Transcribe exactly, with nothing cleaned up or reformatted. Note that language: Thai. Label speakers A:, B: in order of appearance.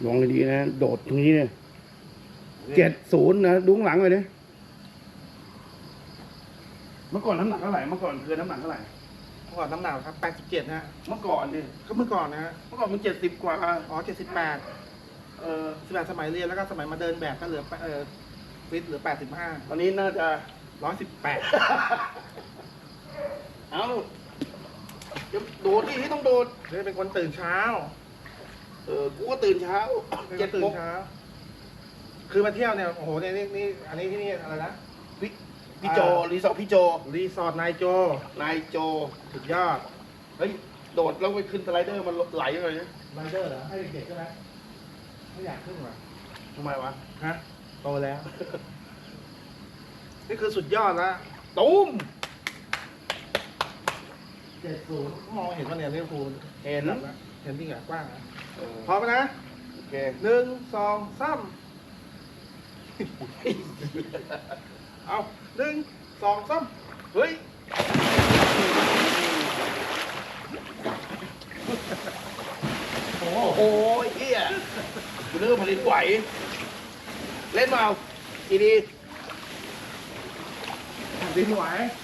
A: ลองดีนะโดดตรงนี้เนี่ยเจ็ดศูนย์นะดุ้งหลังเลยเนี่ยเมื่อก่อนน้ำหนักเท่าไหร่เมื่อก่อนคือน้ำหนักเท่าไหร่
B: เมื่อก่อนน้ำหนักครับแปดสิบเจ็ดนะฮะ
A: เมื่อก่อนนี่
B: ก็เมื่อก่อนนะฮะ
A: เมื่อก่อนมันเจ็ดสิบกว่า
B: อ๋อเจ็ดสิบแปดเออสิบแปดสมัยเรียนแล้วก็สมัยมาเดินแบบก็เหลือเออฟิตเหลือแปดสิบห้า
A: ตอนนี้น่าจะ
B: ร้อยสิบแปด
A: เอาเดี๋ยวโดดที่ต้องโดด
B: เลยเป็นคนตื่นเช้า
A: เออกูก็ตื่นเช้า
B: เป็นค
A: เจ็ด
B: นตื่
A: โม
B: น
A: ง
B: เช้า คือมาเที่ยวเนี่ยโอ้โหเนี่ยนี่นี่อันนี้ที่นี่อะไรนะ
A: พี่พี่โจรีสอร์ทพี่โจ
B: รีสอร์ทนายโจ
A: นายโจ
B: สุดยอด
A: เฮ้ยโดดแล้วไปขึ้นสไลเดอร์มันไหลเลยนะ
B: ไรเดอร์เหรอให้เด็กๆใช่ไหมไม่อยากขึ้นหรอ
A: ทำไมวะ
B: ฮะโตแล้ว นี่คือสุดยอดละ
A: ตุ้ม
B: เจ็ดศูนย์มองเห็นว่าเนี่ยลิเวอร์พูล
A: เห็น
B: เห็นจริงเหรอกว้างนะ
A: เออ
B: พร้อมไหมนะ
A: โอเค
B: หนึ่งสองสามเอาหนึ่งสองสาม
A: เฮ้ยโอ้โหเฮียกูนึกว่าผลิตไหวเล่นมาเอาดีดี
B: ดินไหว